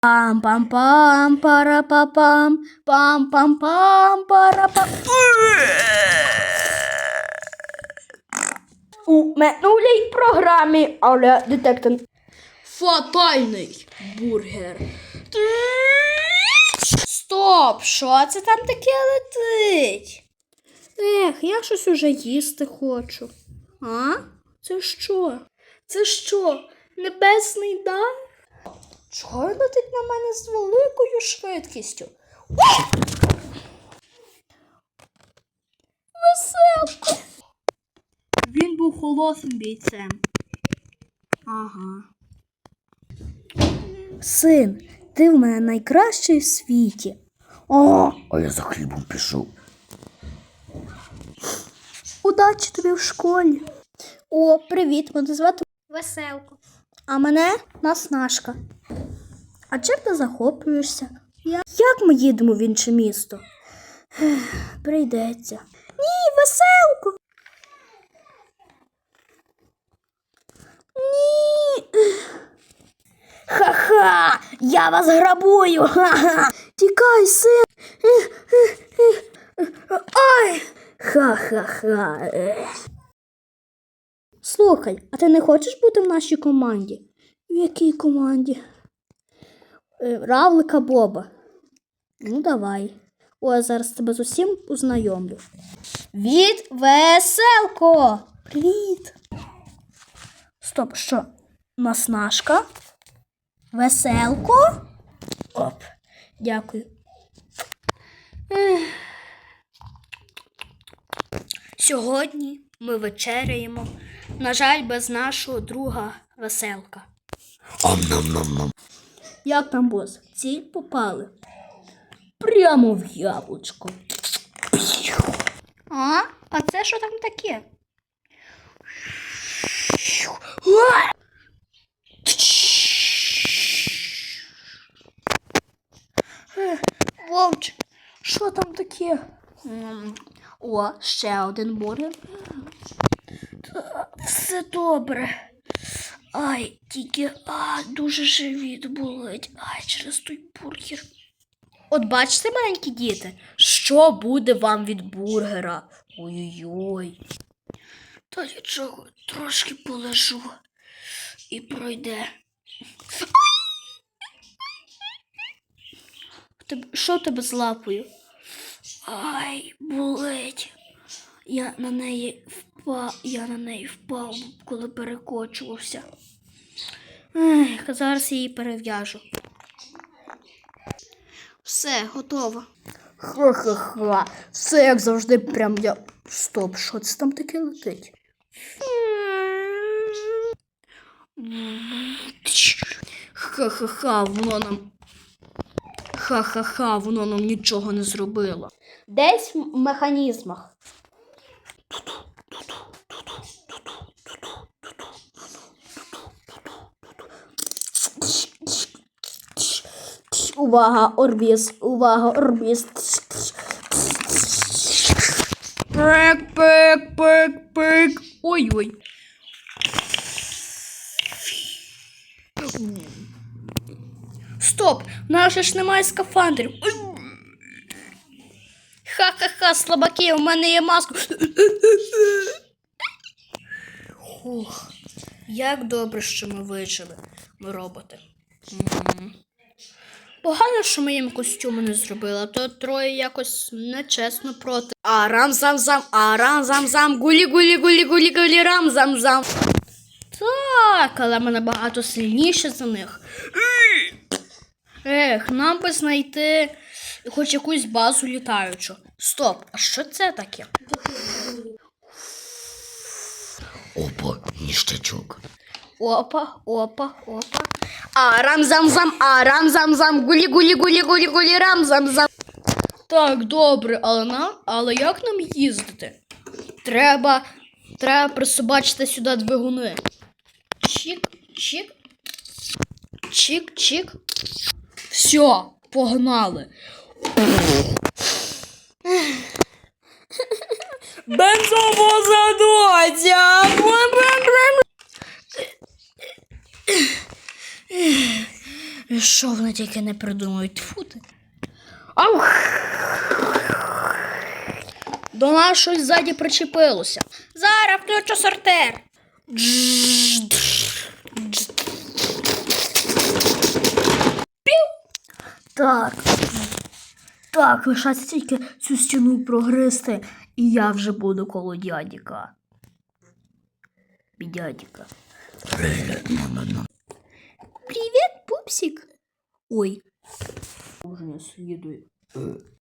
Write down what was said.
Пам-пам-пам, пара-па-пам, пам-пам-пам, пара-пам. У минулій програмі, але детектор. Фатальний бургер. Стоп, що це там таке летить? Я щось уже їсти хочу. А? Це що? Це що? Небесний дар? Чого він летить на мене з великою швидкістю? Веселко! Він був холосним бійцем. Ага. Син, ти в мене найкращий в світі. А я за хлібом пішов. Удачі тобі в школі. О, привіт, мене звати Веселко. А мене Наснашка. А чим ти захоплюєшся? Як ми їдемо в інше місто? Прийдеться. Ні, Веселко. Ні. Ха-ха, я вас грабую. Ха-ха. Тікай, син. Ай. Ха-ха-ха. Слухай, а ти не хочеш бути в нашій команді? В якій команді? Равлика Боба. Ну, давай. О, зараз тебе з усім познайомлю. Від Веселко! Привіт! Стоп, що? Наснашка? Веселко? Оп, дякую. Сьогодні ми вечеряємо. На жаль, без нашого друга Веселка. Ам-нам-нам-нам. Як там, бос? Ціль попали? Прямо в яблучко. А це що там таке? Вовчик, що там таке? О, ще один бургер. Все добре. Ай, тільки дуже живіт болить. Ай, через той бургер. От бачите, маленькі діти, що буде вам від бургера? Ой-ой-ой. Та нічого, трошки полежу і пройде. Що в тебе з лапою? Ай, болить. Я на неї впав, коли перекочувався. Зараз її перев'яжу. Все, готово. Ха-ха-ха. Все як завжди, прям я... Стоп, що це там таке летить? Ха-ха-ха, воно нам... Ха-ха-ха, воно нам нічого не зробило. Десь в механізмах. Увага, орбіз, увага, орбіз. Пик, пик, пик, пик. Ой-ой. Стоп, в нас же ж немає скафандрів. Ха-ха-ха, слабаки, у мене є маска. Ух, як добре, що ми вижили, ми роботи. Погано, що ми їм костюми не зробили, а то троє якось нечесно проти. Арам-зам-зам, арам-зам-зам, гулі-гулі-гулі-гулі-гулі, рам-зам-зам. Так, але ми набагато сильніші за них. Нам би знайти хоч якусь базу літаючу. Стоп, а що це таке? Опа, ніштячок. Опа, опа, опа. Арам-зам-зам, арам-зам-зам, гулі-гулі-гулі-гулі-гулі, рам-зам-зам. Так, добре, але як нам їздити? Треба присобачити сюди двигуни. Чик, чик. Чик, чик. Все, погнали. Бензовоза доця. І що вони тільки не придумають? Тьфу ти. Ау! До нас щось ззаді причепилося. Зараз включу сортир. Так. Так, лишається тільки цю стіну прогризти, і я вже буду коло дядіка. Дядіка. Привіт, пупсик. Ой. Уже не слідує.